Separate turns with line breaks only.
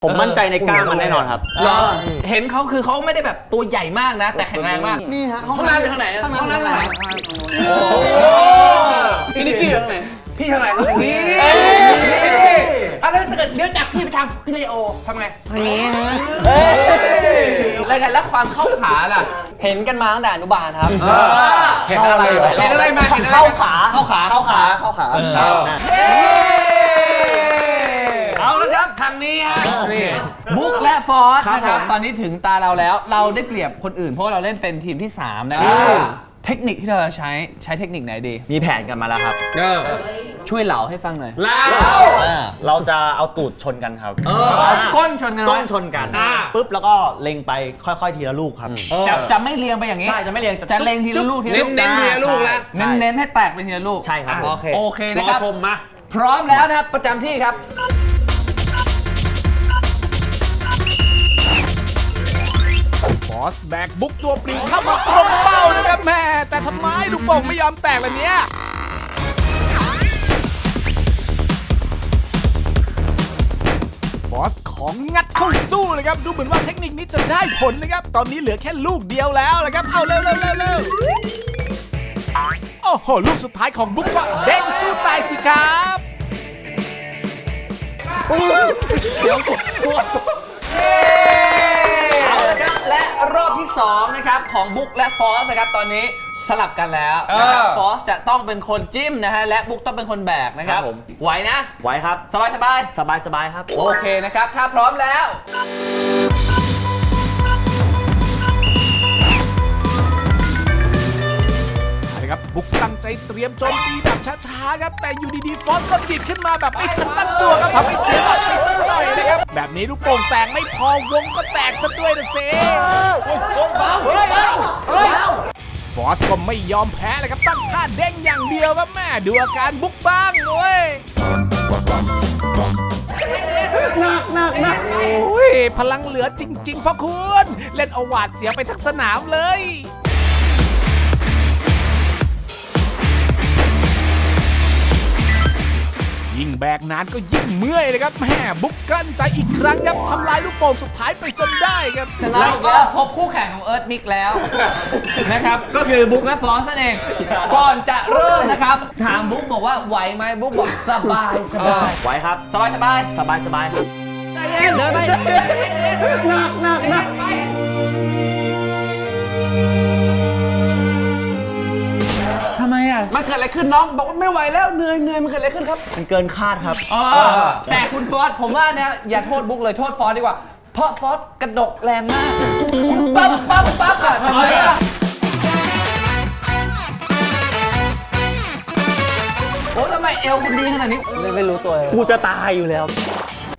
ผมมั่นใจในกล้ามมันแน่นอนครับ
เห็นเขาคือเขาไม่ได้แบบตัวใหญ่มากนะแต่แข็งแรงมาก
นี่ฮะ
ห้องน้ำอยู่ทางไหนห้องน้ำทางไหนพี่นิกกี้อยู่ทางไหนพี่ทางไหนนี่อะไรถ้าเกิดเดี๋ยวจับพี่ไปทำพี่เลโอทำไงอะไรกันแล้วความเข้าขาล่ะ
เห็นกันมาตั้งแต่อนุบาลครับ
เห็นอะไรเห็นอะไรมาเห็นอะไร
เข้าขา
เอาละครับทางนี้ฮะบุ๊กและฟอสนะครับตอนนี้ถึงตาเราแล้วเราได้เปรียบคนอื่นเพราะเราเล่นเป็นทีมที่3นะครับเทคนิคที่เราจะใช้เทคนิคไหนดี
มีแผนกันมาแล้วครับ
ช่วยเหล่าให้ฟังหน่อย
เราจะเอาตูดชนกันครับ
เอาก้นชนกัน
ก้นชนกันปุ๊บแล้วก็เล็งไปค่อยๆทีละลูกครับ
จะไม่เรียงไปอย่างนี้
ใช่จะไม่เรียง
จะเล็งทีละลูกทีละลูก
เน้นทีละลูกนะ
เน้นให้แตกเป็นทีละลูก
ใช่ครับ
โอเคนะครับ
ชมมา
พร้อมแล้วนะครับประจำที่ครับ
บอสแบกบุ๊กตัวปลิวเข้ามาตรงเป้านะครับแม่แต่ทำไมลูกโป่งไม่ยอมแตกเลยเนี่ยบอสของงัดเข้าสู้เลยครับดูเหมือนว่าเทคนิคนี้จะได้ผลนะครับตอนนี้เหลือแค่ลูกเดียวแล้วนะครับเอาเร็วโอ้โหลูกสุดท้ายของบุ๊กว่าเด้งสู้ตายสิครับ
เอาละครับและรอบที่2นะครับของบุ๊กและฟอสนะครับตอนนี้สลับกันแล้วนะครับฟอสจะต้องเป็นคนจิ้มนะฮะและบุ๊กต้องเป็นคนแบกนะครับไหวนะ
ไหวครับ
สบาย
ครับ
โอเคนะครับถ้าพร้อมแล้ว
ครับบุ๊กตั้งใจเตรียมโจมตีแบบช้าๆครับแต่อยู่ดีๆฟอสก็ดิดขึ้นมาแบบไม่ทันตั้งตัวครับทำให้เสียหลักไปสักหน่อยนะครับแบบนี้ลูกโป่งแตกไม่พอวงก็แตกซะด้วยนะเซ่ฟอสก็ไม่ยอมแพ้เลยครับตั้งท่าเด้งอย่างเดียวครับแม่ดูอาการบุ๊กบ้างเว้ยหนักโอ้ยพลังเหลือจริงๆพ่อคุณเล่นเอาหวาดเสียไปทั้งสนามเลยยิ่งแบกนานก็ยิ่งเมื่อยเลยครับแม่บุ๊กกลั้นใจอีกครั้งครับทำลายลูกโป่งสุดท้ายไปจนได้ครับ
เราก็พบคู่แข่งของเอิร์ธมิกแล้วนะครับก็คือบุ๊กและฟอสนั่นเองก่อนจะเริ่มนะครับถามบุ๊กบอกว่าไหวไหมบุ๊กบอกสบาย
ไหวครับ
สบาย
ครับ
ใจเย็นเดินไปหนักทำไมอ่ะ
มันเกิดอะไรขึ้นน้องบอกว่าไม่ไหวแล้วเหนื่อยมันเกิดอะไรขึ้นครับ
มันเกินคาดครับ
แต่คุณฟอสผมว่าเนี่ยอย่าโทษบุ๊กเลยโทษฟอสดีกว่าเพราะฟอสกระดกแรงมากปั๊บอะทำไมอ่ะโอ้ทำไมเอวคุณดีขนาดนี้
ไม่รู้ตัวเลย
กูจะตายอยู่แล้ว